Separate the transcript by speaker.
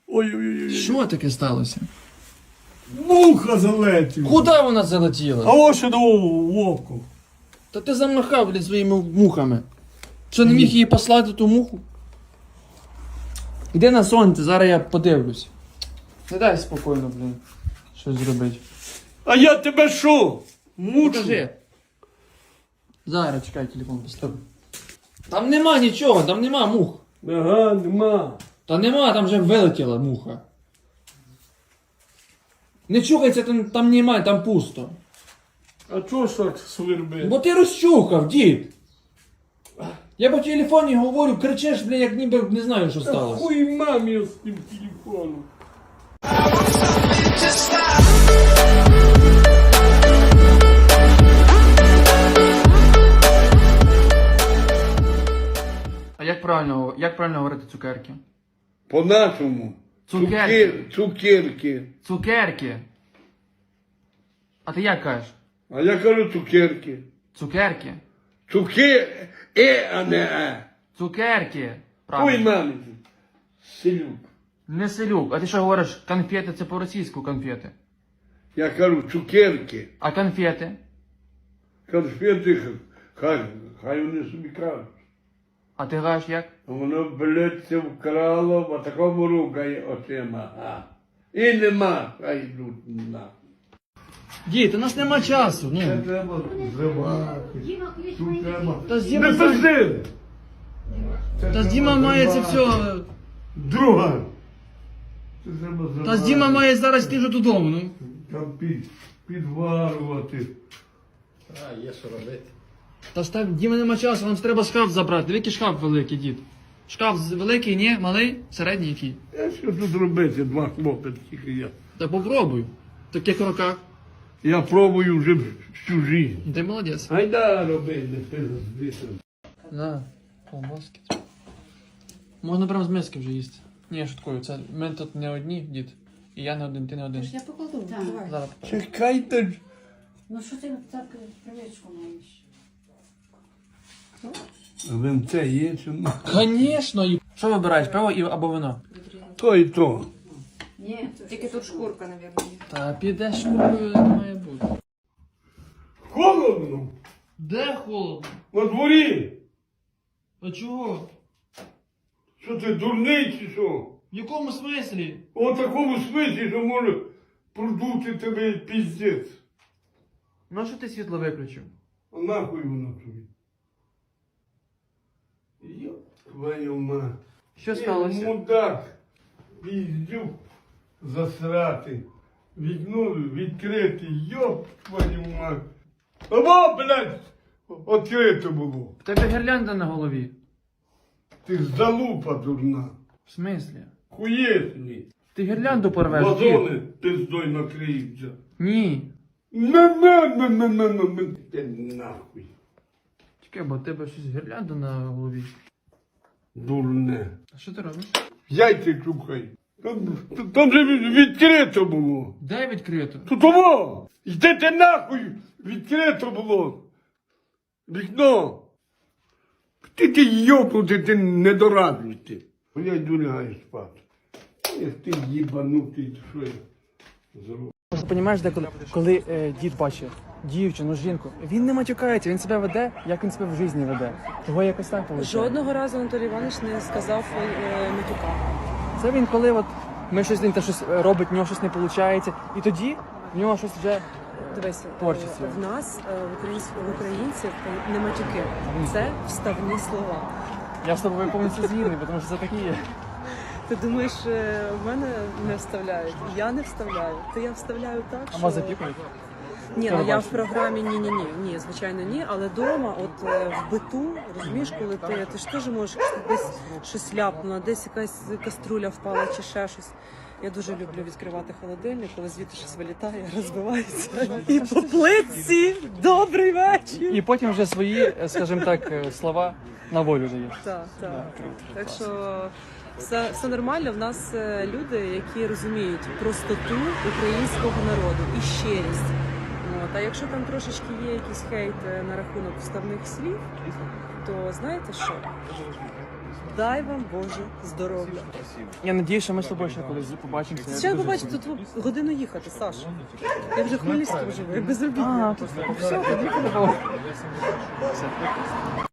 Speaker 1: Ой-ой-ой.
Speaker 2: Що таке сталося?
Speaker 1: Муха залетіла.
Speaker 2: Куди вона залетіла?
Speaker 1: А ось що в око.
Speaker 2: Та ти замахав, блін, своїми мухами. Що, не міг її послати ту муху? Іди на сонце, зараз я подивлюсь. Не дай спокійно, блін, щось зробити.
Speaker 1: А я тебе що? Мучу?
Speaker 2: Покажи. Зараз, чекай, телефон поставлю. Там нема нічого, там нема мух.
Speaker 1: Ага, нема.
Speaker 2: Та нема, там вже вилетіла муха. Не чухайся, там немає, там пусто.
Speaker 1: А чого ж так свербить?
Speaker 2: Бо ти розчухав, дід. Я по телефоні говорю, кричиш, блін, як ніби не знаю, що сталося.
Speaker 1: Хуй мамі з тим телефоном.
Speaker 2: А як правильно говорити цукерки?
Speaker 1: По-нашому.
Speaker 2: Цукерки.
Speaker 1: Цукерки.
Speaker 2: Цукерки. А ти як кажеш?
Speaker 1: А я кажу цукерки.
Speaker 2: Цукерки.
Speaker 1: А не е.
Speaker 2: Цукерки.
Speaker 1: Хуй
Speaker 2: Правильно.
Speaker 1: мамі. Селюк.
Speaker 2: Не селюк. А ти що говориш? Конфети це по-російську конфети.
Speaker 1: Я кажу цукерки.
Speaker 2: А конфети?
Speaker 1: Конфети, хай вони собі кажуть.
Speaker 2: А ти кажеш як?
Speaker 1: А воно, блядь, це вкрало, а такому рукає очима. А. І нема, хай йдуть на.
Speaker 2: Дід, у нас нема часу.
Speaker 1: Це
Speaker 2: Ну.
Speaker 1: треба зривати. Тут треба.
Speaker 2: Та з
Speaker 1: Не
Speaker 2: Діма,
Speaker 1: пизди!
Speaker 2: та з Діма має це все.
Speaker 1: Друга. Це треба зривати.
Speaker 2: Та з Діма має зараз йти вже додому. Ну.
Speaker 1: Там підварувати.
Speaker 3: А, є що робити.
Speaker 2: Та ж так, Діма нема часу, нам треба шкаф забрати. Диви, який шкаф великий, дід. Шкаф великий, ні? Малий? Середній який?
Speaker 1: А що тут робити, два хлопці тільки я.
Speaker 2: Та попробуй. В таких роках.
Speaker 1: Я пробую вже всю життя.
Speaker 2: Ти молодець.
Speaker 1: Айда роби, не пизди.
Speaker 2: На, колбаски. Можна прямо з миски вже їсти. Ні, я шуткую, це ми тут не одні, дід. І я не один, ти не один.
Speaker 4: Я покладу, давай.
Speaker 2: Зараз.
Speaker 1: Чекайте ж.
Speaker 4: Ну що ти так привичку маєш?
Speaker 1: Винце є чи ні?
Speaker 2: Звісно. Що вибираєш, пиво або вино?
Speaker 1: То і то.
Speaker 4: Ні,
Speaker 5: Тільки тут шкурка, мабуть, є.
Speaker 2: Та підеш шкуркою, не має бути.
Speaker 1: Холодно.
Speaker 2: Де холодно?
Speaker 1: На дворі.
Speaker 2: А чого?
Speaker 1: Що ти дурний чи що?
Speaker 2: В якому смислі?
Speaker 1: У такому смислі, що може продути тебе піздець.
Speaker 2: Ну що ти світло виключив?
Speaker 1: А нахуй воно тобі? Йоп твою мать.
Speaker 2: Що сталося?
Speaker 1: Мудак. Піздюк засрати. Вікно відкрите. Йоп твою мать. Або, блядь, відкрите було.
Speaker 2: В тебе гірлянда на голові.
Speaker 1: Ти залупа дурна.
Speaker 2: В смислі?
Speaker 1: Хуєсні.
Speaker 2: Ти гірлянду порвеш?
Speaker 1: Вазони пиздой накриються.
Speaker 2: Ні.
Speaker 1: На. Ти нахуй.
Speaker 2: Чекай, бо в тебе щось гірлянда на голові.
Speaker 1: Дурне.
Speaker 2: А що ти робиш?
Speaker 1: Яйця чухай. Там же відкрито було.
Speaker 2: Де відкрито?
Speaker 1: Тут того! Йдете нахуй! Відкрито було! Вікно! Ти йопнути, ти недоразвитий. Я йду лягаю спати. Як ти їбанутий, що я зроблю?
Speaker 2: Розумієш, коли дід бачить дівчину, жінку, він не матюкається, він себе веде, як він себе в житті веде. Того якось так виходить.
Speaker 5: Жодного разу Анатолій Іванович не сказав матюка.
Speaker 2: Це він коли от ми щось він щось робить, в нього щось не виходить, і тоді в нього щось вже
Speaker 5: Дивись,
Speaker 2: творчість.
Speaker 5: в нас, в українців, не матюки. Це вставні слова.
Speaker 2: Я з тобою повністю згідний, тому що це такі є.
Speaker 5: Ти думаєш, в мене не вставляють? Я не вставляю. То я вставляю так,
Speaker 2: А
Speaker 5: що...
Speaker 2: вас запікують?
Speaker 5: Ні, ну я в програмі ні, звичайно, ні. Але вдома, от в биту, розумієш, коли ти ж теж можеш десь щось ляпнула, десь якась каструля впала чи ще щось. Я дуже люблю відкривати холодильник, коли звідти щось вилітає, розбивається. І по плитці добрий вечір.
Speaker 2: І потім вже свої, скажімо так, слова на волю даєш.
Speaker 5: Так. Так що все нормально. В нас люди, які розуміють простоту українського народу і щирість. А якщо там трошечки є якийсь хейт на рахунок вставних слів, то знаєте що? дай вам Боже здоров'я.
Speaker 2: Я надіюсь, що ми з тобою ще колись побачимося.
Speaker 5: Ще побачите, тут годину їхати, Саш. Я вже в Хмельницькому живу, я безробітна.
Speaker 2: А, то все, тоді подобало.